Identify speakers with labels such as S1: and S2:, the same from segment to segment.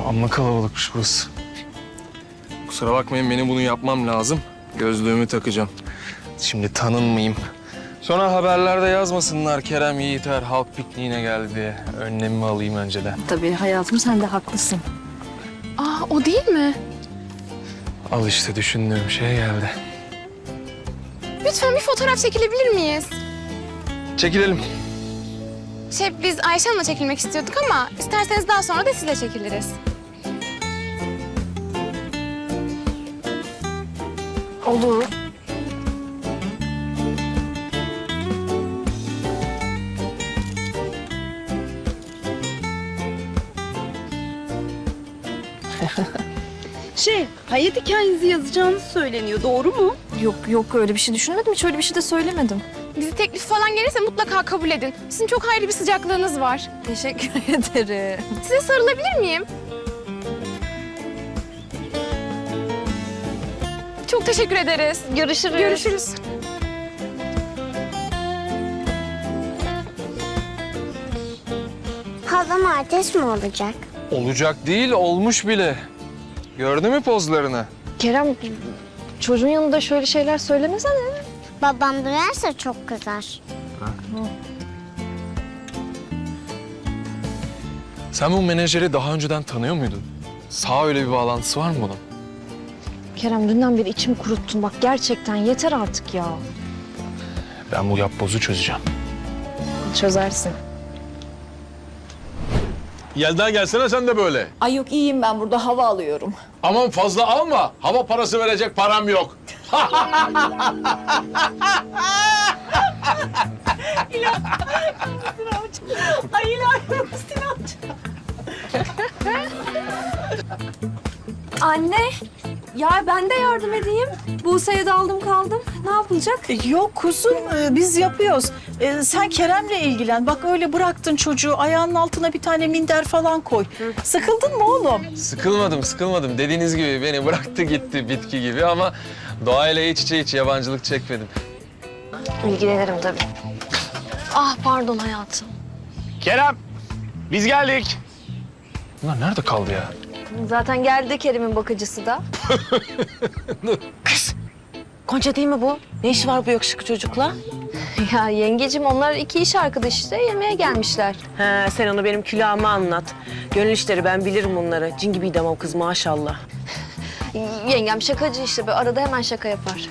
S1: Amma kalabalıkmış burası. Kusura bakmayın, benim bunu yapmam lazım. Gözlüğümü takacağım. Şimdi tanınmayayım. Sonra haberlerde yazmasınlar Kerem Yiğiter halk pikniğine geldi diye. Önlemimi alayım önceden.
S2: Tabii hayatım, sen de haklısın.
S3: Aa, o değil mi?
S1: Al işte, düşündüğüm şey geldi.
S3: Lütfen bir fotoğraf çekilebilir miyiz?
S1: Çekilelim.
S3: Biz Ayşe Hanım'la çekilmek istiyorduk ama isterseniz daha sonra da sizle çekiliriz.
S2: Olur.
S4: Hayat hikayenizi yazacağınız söyleniyor. Doğru mu?
S2: Yok öyle bir şey düşünmedim. Hiç öyle bir şey de söylemedim.
S3: Bizi teklif falan gelirse mutlaka kabul edin. Sizin çok ayrı bir sıcaklığınız var.
S2: Teşekkür ederim.
S3: Size sarılabilir miyim? Çok teşekkür ederiz.
S2: Görüşürüz.
S3: Görüşürüz.
S5: Halam artist mi olacak?
S1: Olacak değil, olmuş bile. Gördün mü pozlarını?
S2: Kerem, çocuğun yanında şöyle şeyler söylemesene.
S5: Babam duyarsa çok kızar.
S1: Sen bu menajeri daha önceden tanıyor muydun? Sağ öyle bir bağlantısı var mı bunun?
S2: Kerem, dünden beri içimi kuruttun. Bak gerçekten yeter artık ya.
S1: Ben bu yapbozu çözeceğim.
S2: Çözersin.
S6: Yelda gelsene sen de böyle.
S7: Ay yok, iyiyim ben burada, hava alıyorum.
S6: Aman fazla alma. Hava parası verecek param yok.
S7: Ay ilahi Sinan.
S2: Anne, ya ben de yardım edeyim. Buse'ye daldım kaldım. Ne yapılacak?
S7: Yok kuzum, biz yapıyoruz. Sen Kerem'le ilgilen. Bak öyle bıraktın çocuğu, ayağının altına bir tane minder falan koy. Sıkıldın mı oğlum?
S1: Sıkılmadım. Dediğiniz gibi beni bıraktı gitti bitki gibi ama doğayla iç içe hiç yabancılık çekmedim.
S2: İlgilenirim tabii. Ah pardon hayatım.
S6: Kerem, biz geldik.
S1: Bunlar nerede kaldı ya?
S2: Zaten geldi Kerim'in bakıcısı da.
S4: Gonca değil mi bu? Ne işi var bu yakışıklı çocukla?
S2: Ya yengecim, onlar iki iş arkadaşı işte, yemeğe gelmişler.
S4: He, sen onu benim külahıma anlat. Gönül işleri, ben bilirim bunları. Cin gibiydi o kız maşallah.
S2: Yengem şakacı işte, böyle arada hemen şaka yapar.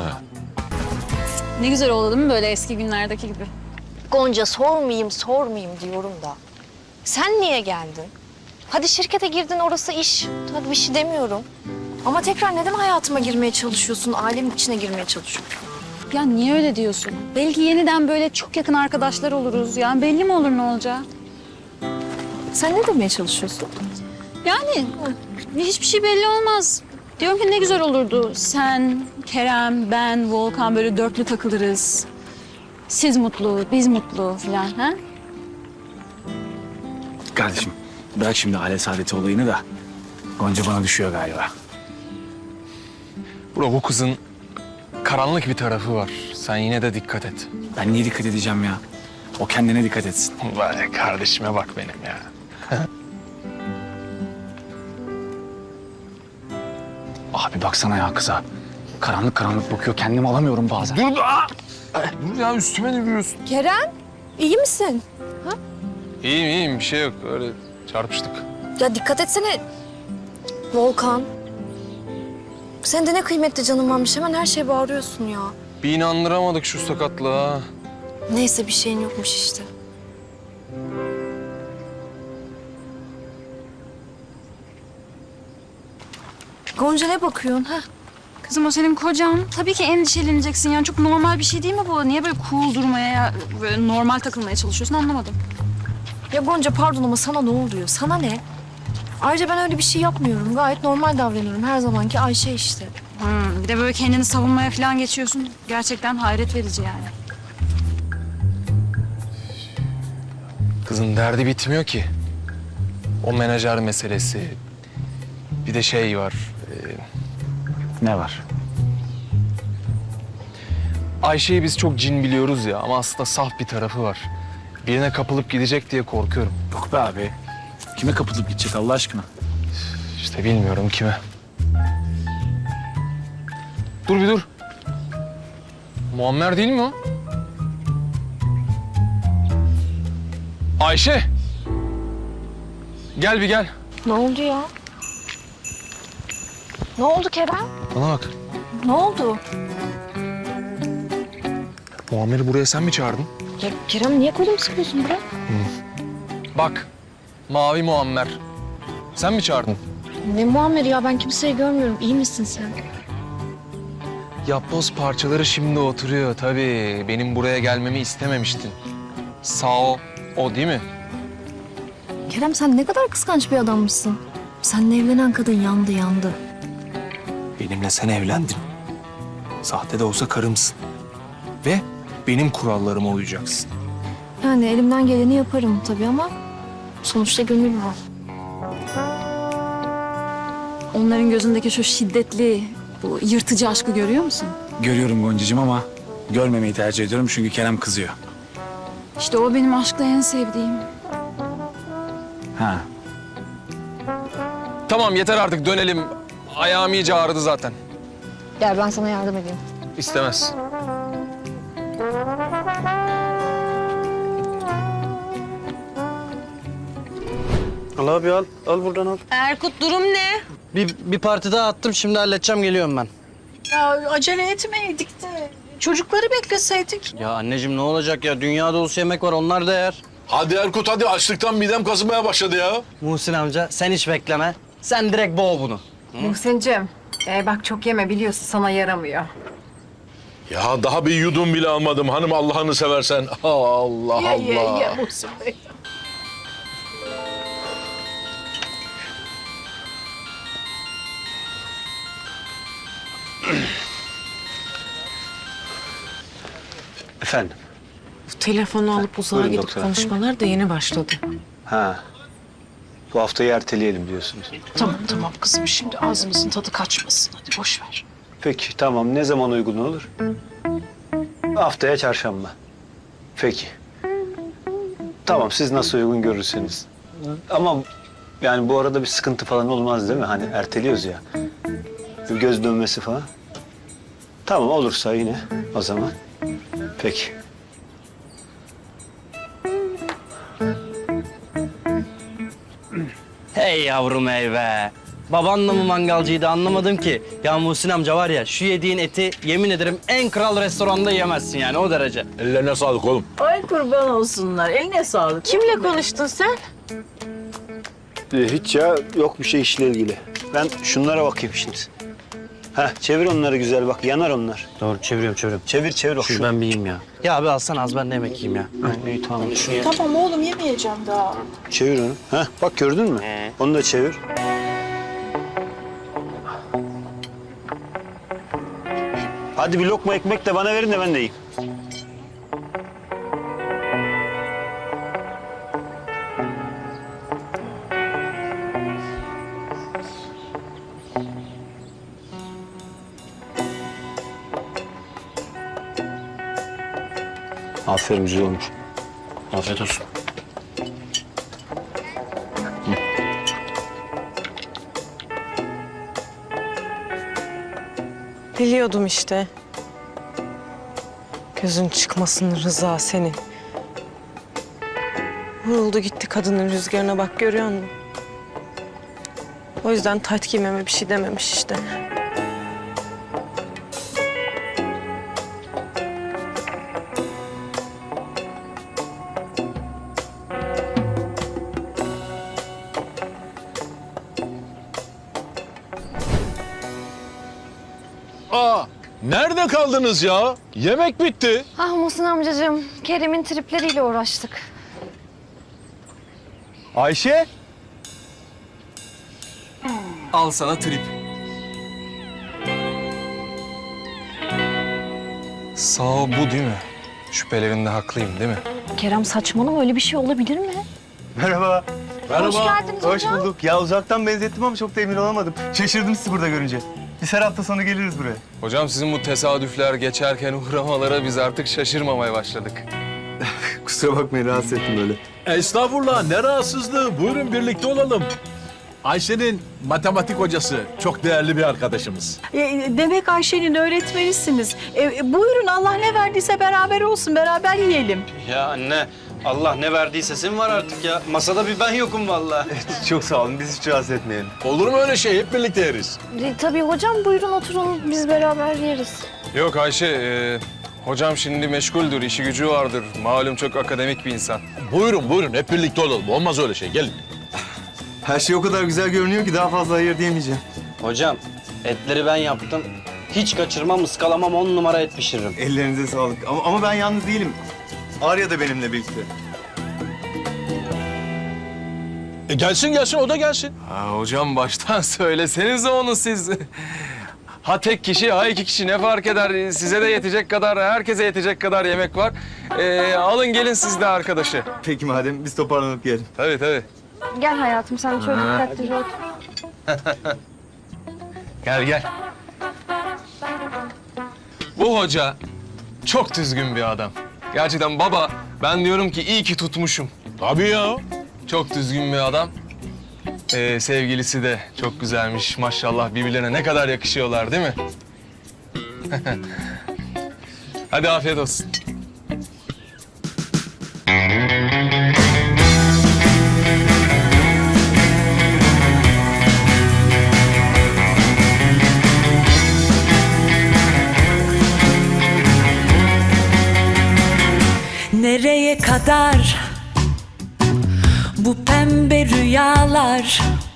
S8: Ne güzel oldu değil mi böyle eski günlerdeki gibi?
S2: Gonca sormayayım diyorum da. Sen niye geldin? Hadi şirkete girdin, orası iş. Hadi bir şey demiyorum. Ama tekrar neden hayatıma girmeye çalışıyorsun? Ailemin içine girmeye çalışıyorsun.
S8: Ya niye öyle diyorsun? Belki yeniden böyle çok yakın arkadaşlar oluruz. Yani belli mi olur ne olacağı?
S2: Sen ne demeye çalışıyorsun?
S8: Yani hiçbir şey belli olmaz. Diyorum ki ne güzel olurdu. Sen, Kerem, ben, Volkan böyle dörtlü takılırız. Siz mutlu, biz mutlu falan. Ha?
S9: Kardeşim bırak şimdi aile saadeti olayını da Gonca bana düşüyor galiba.
S1: Bro, bu kızın karanlık bir tarafı var. Sen yine de dikkat et.
S9: Ben niye dikkat edeceğim ya? O kendine dikkat etsin.
S1: Var ya, kardeşime bak benim ya.
S9: Abi baksana ya kıza. Karanlık karanlık bakıyor. Kendimi alamıyorum bazen.
S1: Dur ya, üstüme ne gülüyorsun?
S2: Kerem, iyi misin?
S1: İyiyim, bir şey yok. Öyle çarpıştık.
S2: Ya dikkat etsene. Volkan. Senin de ne kıymetli canın varmış. Hemen her şeye bağırıyorsun ya.
S1: Bir inandıramadık şu sakatlığa.
S2: Neyse, bir şeyin yokmuş işte. Gonca ne bakıyorsun ha?
S8: Kızım o senin kocan. Tabii ki endişeleneceksin. Yani çok normal bir şey değil mi bu? Niye böyle cool durmaya, böyle normal takılmaya çalışıyorsun anlamadım.
S2: Ya Gonca pardon ama sana ne oluyor? Sana ne? Ayrıca ben öyle bir şey yapmıyorum. Gayet normal davranıyorum. Her zamanki Ayşe işte.
S8: Bir de böyle kendini savunmaya falan geçiyorsun. Gerçekten hayret verici yani.
S1: Kızın derdi bitmiyor ki. O menajer meselesi. Bir de şey var.
S9: Ne var?
S1: Ayşe'yi biz çok cin biliyoruz ya ama aslında saf bir tarafı var. Birine kapılıp gidecek diye korkuyorum.
S9: Yok be abi. Kime kapılıp gidecek Allah aşkına?
S1: İşte bilmiyorum kime. Dur bir dur. Muammer değil mi o? Ayşe. Gel bir gel.
S2: Ne oldu ya? Ne oldu Kerem?
S1: Bana bak.
S2: Ne oldu?
S1: Muammer'i buraya sen mi çağırdın?
S2: Ya Kerem niye kolumu sıkıyorsun bırak?
S1: Bak. Mavi Muammer. Sen mi çağırdın?
S2: Ne Muammer ya ben kimseyi görmüyorum. İyi misin sen?
S1: Yapboz parçaları şimdi oturuyor tabii. Benim buraya gelmemi istememiştin. Sağ o değil mi?
S2: Kerem sen ne kadar kıskanç bir adammışsın. Seninle evlenen kadın yandı yandı.
S1: Benimle sen evlendin. Sahte de olsa karımsın. Ve benim kurallarıma uyacaksın.
S2: Yani elimden geleni yaparım tabii ama sonuçta gönül var.
S8: Onların gözündeki şu şiddetli, bu yırtıcı aşkı görüyor musun?
S9: Görüyorum Goncacığım ama görmemeyi tercih ediyorum çünkü Kerem kızıyor.
S8: İşte o benim aşkta en sevdiğim.
S9: Ha.
S1: Tamam yeter artık dönelim. Ayağım iyice ağrıdı zaten.
S2: Gel ben sana yardım edeyim.
S1: İstemez.
S10: Al abi al. Al buradan al.
S4: Erkut durum ne?
S10: Bir parti daha attım şimdi halledeceğim geliyorum ben.
S7: Ya acele etmeydik de çocukları bekleseydik.
S10: Ya anneciğim ne olacak ya? Dünya dolusu yemek var onlar da yer.
S6: Hadi Erkut hadi açlıktan midem kazımaya başladı ya.
S10: Muhsin amca sen hiç bekleme. Sen direkt boğ bunu.
S11: Muhsin'cim, bak çok yeme biliyorsun sana yaramıyor.
S6: Ya daha bir yudum bile almadım hanım Allah'ını seversen. Allah Allah.
S7: Ye Muhsin Bey.
S10: Efendim?
S4: Telefonu alıp uzağa
S10: Buyurun
S4: gidip
S10: doktor.
S4: konuşmalar da yeni başladı.
S10: Ha. Bu haftayı erteleyelim diyorsunuz.
S7: Tamam kızım şimdi ağzımızın tadı kaçmasın hadi boş ver.
S10: Peki tamam ne zaman uygun olur? Haftaya çarşamba. Peki. Tamam siz nasıl uygun görürseniz. Ama yani bu arada bir sıkıntı falan olmaz değil mi? Hani erteliyoruz ya. Bir göz dönmesi falan. Tamam olursa yine o zaman. Peki. Hey yavrum hey be. Babanla mı mangalcıydı anlamadım ki. Ya Muhsin amca var ya şu yediğin eti yemin ederim en kral restoranda yemezsin yani o derece.
S6: Ellerine sağlık oğlum.
S7: Ay kurban olsunlar eline sağlık.
S4: Kimle konuştun sen?
S10: Hiç ya yok bir şey işle ilgili. Ben şunlara bakayım şimdi. Heh çevir onları güzel bak yanar onlar. Doğru çeviriyorum. Çevir bak. Ben bir yiyeyim ya. Ya abi alsana az ben de yemek yiyeyim ya. İyi tamam şunu ye.
S7: Tamam oğlum yemeyeceğim daha.
S10: Çevir onu. Heh bak gördün mü? Onu da çevir. Hadi bir lokma ekmek de bana verin de ben de yiyeyim. Aferin güzel olmuş. Afiyet olsun.
S4: Biliyordum işte. Gözün çıkmasın Rıza senin. Vuruldu gitti kadının rüzgarına bak görüyor musun? O yüzden tayt giymeme bir şey dememiş işte.
S6: Aa, nerede kaldınız ya? Yemek bitti.
S2: Ah Muhsin amcacığım, Kerem'in tripleriyle uğraştık.
S10: Ayşe.
S1: Al sana trip. Sağ ol bu değil mi? Şüphelerinde haklıyım değil mi?
S2: Kerem saçmalama öyle bir şey olabilir mi?
S10: Merhaba.
S2: Hoş geldiniz
S10: Hoş
S2: hocam.
S10: bulduk. Ya uzaktan benzettim ama çok da emin olamadım. Şaşırdım sizi burada görünce. Biz her hafta sonu geliriz buraya.
S1: Hocam sizin bu tesadüfler geçerken uğramalara biz artık şaşırmamaya başladık.
S10: Kusura bakmayın rahatsız ettim böyle.
S6: Estağfurullah ne rahatsızlığı. Buyurun birlikte olalım. Ayşe'nin matematik hocası. Çok değerli bir arkadaşımız.
S7: Demek Ayşe'nin öğretmenisiniz. Buyurun Allah ne verdiyse beraber olsun, beraber yiyelim.
S10: Ya anne, Allah ne verdiyse senin var artık ya. Masada bir ben yokum vallahi.
S12: Çok sağ olun. Biz hiç rahatsız etmeyelim.
S6: Olur mu öyle şey? Hep birlikte yeriz.
S2: Tabii hocam buyurun oturun biz beraber yeriz.
S1: Yok Ayşe, hocam şimdi meşguldür, işi gücü vardır. Malum çok akademik bir insan.
S6: Buyurun buyurun hep birlikte olalım. Olmaz öyle şey. Gelin.
S12: Her şey o kadar güzel görünüyor ki daha fazla hayır diyemeyeceğim.
S10: Hocam, etleri ben yaptım. Hiç kaçırmam, ıskalamam, 10 numara et pişiririm.
S12: Ellerinize sağlık. Ama ben yalnız değilim. Arya da benimle birlikte.
S6: Gelsin o da gelsin.
S1: Ha, hocam baştan söylesenize onu siz. Ha tek kişi, ha iki kişi ne fark eder? Size de yetecek kadar, herkese yetecek kadar yemek var. Alın gelin siz de arkadaşı.
S12: Peki madem biz toparlanıp gelelim.
S1: Tabii tabii.
S2: Gel hayatım sen şöyle dikkatlice otur.
S1: Gel. Bu hoca çok düzgün bir adam. Gerçekten baba, ben diyorum ki iyi ki tutmuşum.
S6: Tabii ya.
S1: Çok düzgün bir adam. Sevgilisi de çok güzelmiş. Maşallah birbirlerine ne kadar yakışıyorlar değil mi? Hadi afiyet olsun.
S13: Nereye kadar bu pembe rüyalar?